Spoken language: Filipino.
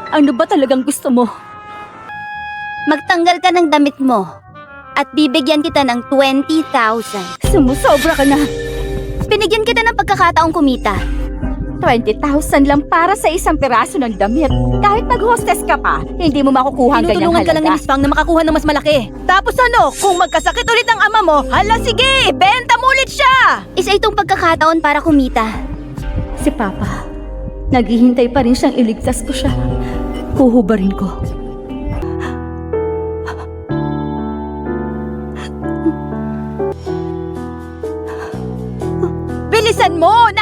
Ano ba talagang gusto mo? Magtanggal ka ng damit mo at bibigyan kita ng 20,000. Sumusobra ka na. Binigyan kita ng pagkakataong kumita. 20,000 lang para sa isang piraso ng damit. Kahit mag-hostess ka pa, hindi mo makukuha ang ganyang Tinutulungan ka lang ni halaga. Miss Fang na makakuha ng mas malaki. Tapos ano, kung magkasakit ulit ang ama mo, hala sige, benta mo ulit siya! Isa itong pagkakataon para kumita. Si Papa, naghihintay pa rin siyang iligtas ko siya. Huhubarin ko. Bilisan mo!